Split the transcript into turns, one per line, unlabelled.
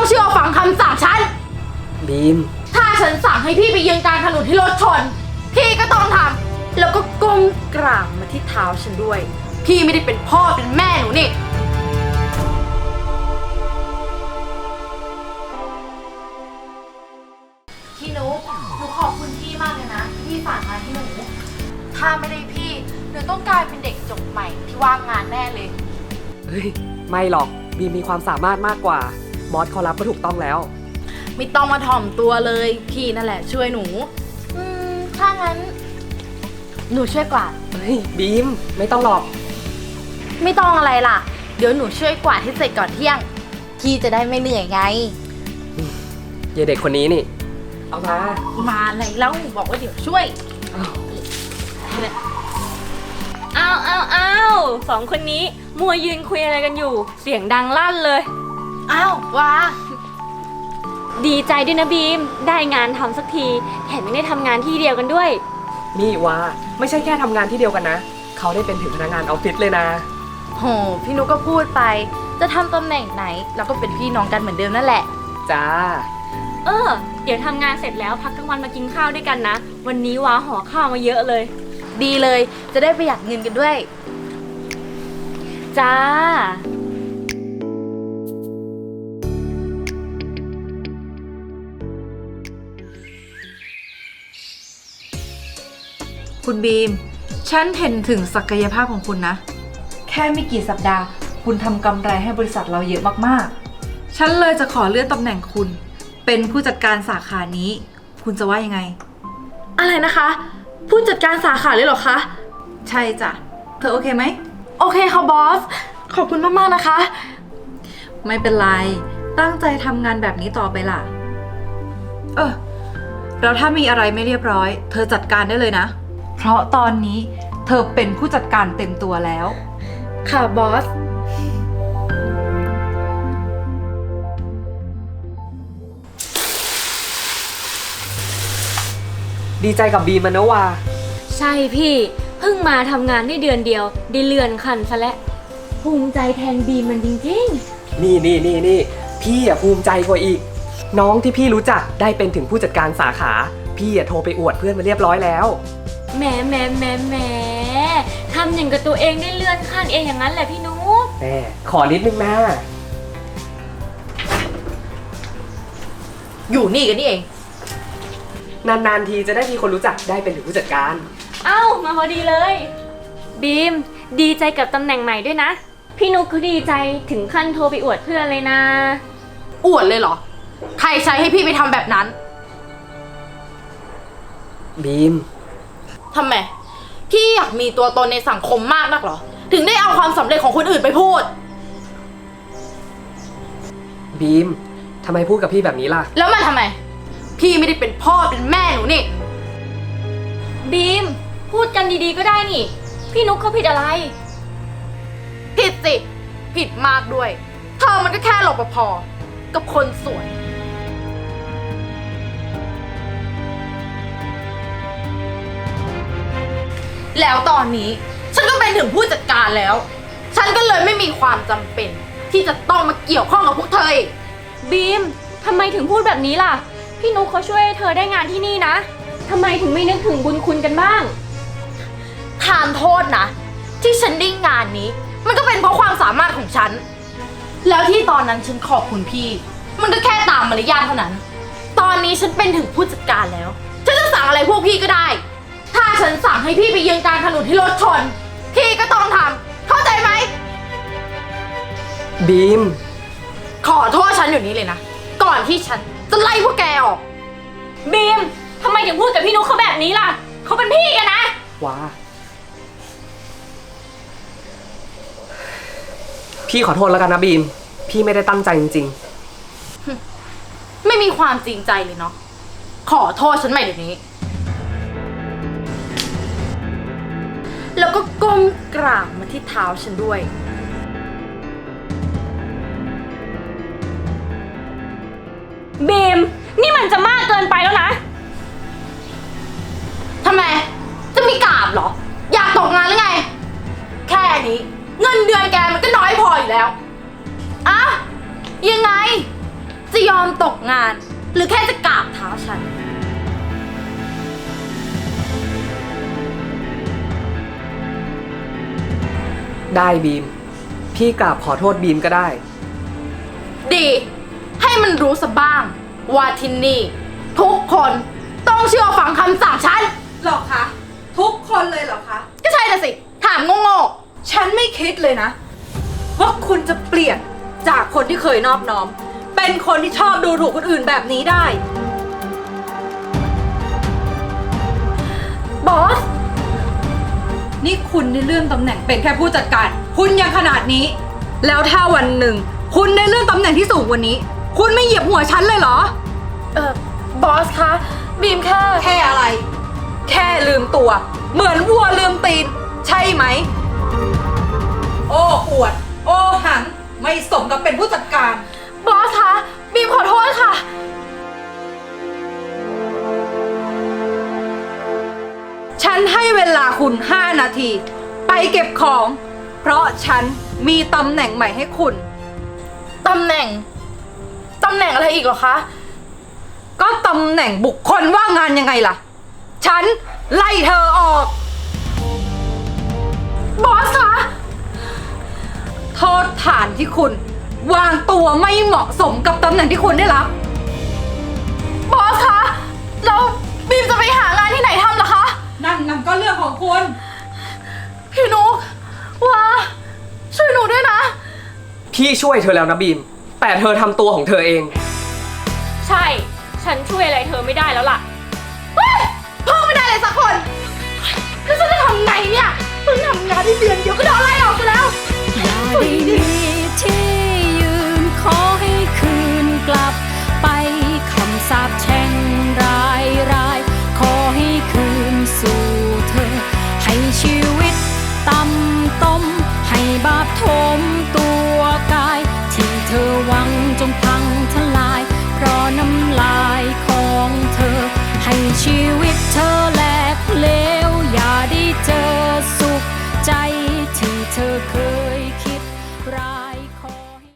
เชื่อฟังคำสั่งฉัน
บีม
ถ้าฉันสั่งให้พี่ไปยืนกลางถนนที่รถชนพี่ก็ต้องทำแล้วก็ก้มกราบมาที่เท้าฉันด้วยพี่ไม่ได้เป็นพ่อเป็นแม่หนูนี่พี่นุ๊กหนูขอบคุณพี่มากเลยนะที่ฝากงานให้หนูถ้าไม่ได้พี่หนูต้องกลายเป็นเด็กจบใหม่ที่ว่างงานแน่เลย
เฮ้ยไม่หรอกบีมมีความสามารถมากกว่ามอสเขารับก็ถูกต้องแล้ว
ไม่ต้องมาถ่อมตัวเลยพี่นั่นแหละช่วยหนูถ้างั้นหนูช่วยกวาด
เฮ้ยบีมไม่ต้องหรอก
ไม่ต้องอะไรล่ะเดี๋ยวหนูช่วยกวาดให้เสร็จก่อนเที่ยงพี่จะได้ไม่เหนื่อยไง
เยเด็กคนนี้นี่เอามา
อะไรแล้วบอกว่าเดี๋ยวช่วย
อ้าวสองคนนี้มัวยืนคุยอะไรกันอยู่เสียงดังลั่นเลย
อ้าวว้า
ดีใจด้วยนะบีมได้งานทำสักทีแถมยังได้ทำงานที่เดียวกันด้วย
นี่ว่าไม่ใช่แค่ทำงานที่เดียวกันนะเขาได้เป็นถึงพนักงานออฟฟิศเลยนะ
โหพี่นุ๊กก็พูดไปจะทำตำแหน่งไหนเราก็เป็นพี่น้องกันเหมือนเดิมนั่นแหละ
จ้า
เดี๋ยวทำงานเสร็จแล้วพักกลางวันมากินข้าวด้วยกันนะวันนี้ว้าห่อข้าวมาเยอะเลย
ดีเลยจะได้ประหยัดเงินกันด้วย
จ้า
คุณบีมฉันเห็นถึงศักยภาพของคุณนะแค่ไม่กี่สัปดาห์คุณทำกำไรให้บริษัทเราเยอะมากๆฉันเลยจะขอเลื่อนตำแหน่งคุณเป็นผู้จัดการสาขานี้คุณจะว่ายังไง
อะไรนะคะผู้จัดการสาขาเลยเหรอคะ
ใช่จ้ะเธอโอเคไหม
โอเคค่ะบอสขอบคุณมากๆนะคะ
ไม่เป็นไรตั้งใจทำงานแบบนี้ต่อไปล่ะแล้วถ้ามีอะไรไม่เรียบร้อยเธอจัดการได้เลยนะเพราะตอนนี้เธอเป็นผู้จัดการเต็มตัวแล้ว
ค่ะบอส
ดีใจกับบีมนะว่า
ใช่พี่เพิ่งมาทำงานได้เดือนเดียวได้เลื่อนขั้นซะแล้วภูมิใจแทนบีมมันจริง
ๆนี่พี่ภูมิใจกว่าอีกน้องที่พี่รู้จักได้เป็นถึงผู้จัดการสาขาพี่โทรไปอวดเพื่อนมาเรียบร้อยแล้ว
แหมทำอย่างกับตัวเองได้เลื่อนขั้นเองอย่างนั้นแหละพี่นุ๊ก
ขอนิดนึงนะ
อยู่นี่กันนี่เอง
นานๆทีจะได้มีคนรู้จักได้เป็นถึงผู้จัดการ
มาพอดีเลยบีมดีใจกับตำแหน่งใหม่ด้วยนะพี่นุ๊กเขาดีใจถึงขั้นโทรไปอวดเพื่อนเลยนะ
อวดเลยเหรอใครใช้ให้พี่ไปทำแบบนั้น
บีม
ทำไมพี่อยากมีตัวตนในสังคมมากนักเหรอถึงได้เอาความสำเร็จของคนอื่นไปพูด
บีมทำไมพูดกับพี่แบบนี้ล่ะ
แล้วมันทำไมพี่ไม่ได้เป็นพ่อเป็นแม่หนูนี่
บีมพูดกันดีๆก็ได้นี่พี่นุ๊กเขาผิดอะไร
ผิดสิผิดมากด้วยเธอมันก็แค่รปภกับคนสวยแล้วตอนนี้ฉันก็เป็นถึงผู้จัดการแล้วฉันก็เลยไม่มีความจำเป็นที่จะต้องมาเกี่ยวข้องกับพวกเธอ
บีมทำไมถึงพูดแบบนี้ล่ะพี่นุ๊กเขาช่วยเธอได้งานที่นี่นะทำไมถึงไม่นึกถึงบุญคุณกันบ้าง
ทานโทษนะที่ฉันได้งานนี้มันก็เป็นเพราะความสามารถของฉันแล้วที่ตอนนั้นฉันขอบคุณพี่มันก็แค่ตามมารยาทเท่านั้นตอนนี้ฉันเป็นถึงผู้จัดการแล้วฉันจะสั่งอะไรพวกพี่ก็ได้ถ้าฉันสั่งให้พี่ไปยืนกลางถนนที่รถชนพี่ก็ต้องทำเข้าใจไหม
บีม
ขอโทษฉันอยู่นี้เลยนะก่อนที่ฉันจะไล่พวกแกออก
บีมทำไมถึงพูดกับพี่นุ๊กเขาแบบนี้ล่ะเขาเป็นพี่กันนะ
ว้าพี่ขอโทษแล้วกันนะบีมพี่ไม่ได้ตั้งใจจริง
ๆไม่มีความจริงใจเลยเนาะขอโทษฉันใหม่เดี๋ยวนี้แล้วก็ก้มกราบมาที่เท้าฉันด้วย
บีมนี่มันจะมากเกินไปแล้วนะ
ทำไมจะมีกราบเหรออยากตกงานหรือไงแค่นี้เงินเดือนแกมันก็น้อยพออยู่แล้วอะยังไงจีอมตกงาน หรือแค่จะกราบเท้าฉัน
ได้บีม พี่กราบขอโทษบีมก็ได้
ดี ให้มันรู้สะบ้าง ว่าที่นี่ ทุกคนต้องเชื่อฟังคำสั่งฉัน
หรอคะ ทุกคนเลยเหรอคะ
ก็ใช่น่ะสิ ถามโง่
ฉันไม่คิดเลยนะ ว่าคุณจะเปลี่ยนจากคนที่เคยนอบน้อม เป็นคนที่ชอบดูถูกคนอื่นแบบนี้ได้
ๆบอส
นี่คุณได้เลื่อนตำแหน่งเป็นแค่ผู้จัดการ คุณยังขนาดนี้ แล้วถ้าวันหนึ่ง คุณได้เลื่อนตำแหน่งที่สูงกว่านี้ คุณไม่เหยียบหัวฉันเลยเหรอ
บอสคะ บีมแค่
แค่อะไร แค่ลืมตัว เหมือนวัวลืมตีน ใช่ไหม โอ้อวด โอ้หัง ไม่สมกับเป็นผู้จัดการ
บอสคะ บีมขอโทษค่ะ
ฉันให้เวลาคุณ 5 นาที ไปเก็บของ เพราะฉันมีตำแหน่งใหม่ให้คุณ
ตำแหน่งอะไรอีกเหรอคะ
ก็ตำแหน่งบุคคลว่างงานยังไงล่ะ ฉันไล่เธอออก
บอสคะ
โทษฐานที่คุณ วางตัวไม่เหมาะสมกับตำแหน่งที่คุณได้รับ
บอสคะ แล้วบีมจะไปหางานที่ไหนทำล่ะคะ
นั่นก็เรื่องของคุณ
พี่นุกว่าช่วยหนูด้วยนะ
พี่ช่วยเธอแล้วนะบีม แต่เธอทำตัวของเธอเอง
ใช่ ฉันช่วยอะไรเธอไม่ได้แล้วล่ะ
เฮ้ยพ่อไม่ได้เลยสักคน แล้วฉันจะทำไงเนี่ยเพิ่งทำงานได้เดือนเดียวก็โดนไล่ออกไปแล้ว
อย่าได้มีที่